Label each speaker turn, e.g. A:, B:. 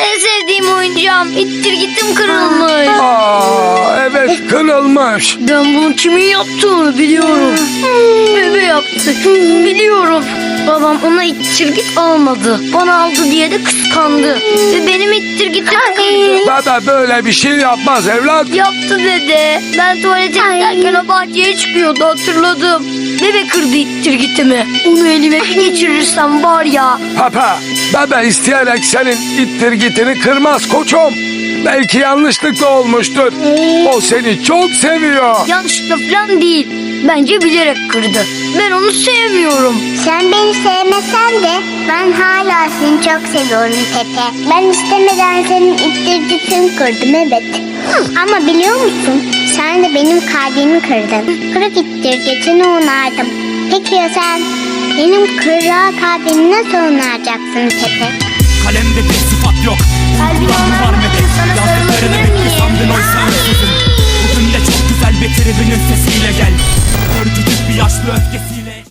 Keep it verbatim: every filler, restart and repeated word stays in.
A: En sevdiğim oyuncağım. İttir gittim kırılmış.
B: Aa, evet kırılmış.
A: Ben bunu kimin yaptığını biliyorum. Bebe yaptı. Biliyorum. Babam ona ittir git almadı. Bana aldı diye de kıskandı. Ve benim ittir gitim kırdı.
B: Bebe böyle bir şey yapmaz evlat.
A: Yaptı dede. Ben tuvalete giderken o bahçeye çıkıyordu, hatırladım. Bebe kırdı ittir gitimi. Onu elime bir geçirirsem var ya.
B: Papa, bebe isteyerek senin ittirgitini kırmaz koçum. Belki yanlışlıkla olmuştur. O seni çok seviyor.
A: Yanlışlıkla falan değil. Bence bilerek kırdı. Ben onu sevmiyorum.
C: Sen beni sevmesen de ben hala seni çok seviyorum Pepe. Ben istemeden senin ittirgitini kırdım evet. Ama biliyor musun? Sen de benim kalbimi kırdın. Kırık ittirgitini onardım. Peki ya sen? Benim kırık kalbimi nasıl onaracaksın Pepe?
D: Kalemde bir sıfat yok.
A: Kalbini
D: Kulağım var medet.
A: sana
D: Yazdıklarını
A: sarılabilir
D: bekle
A: miyim?
D: sandın oysa ansızın. Bugün de çok güzel bir tribünün sesiyle gel. Örgütük bir yaşlı öfkesi.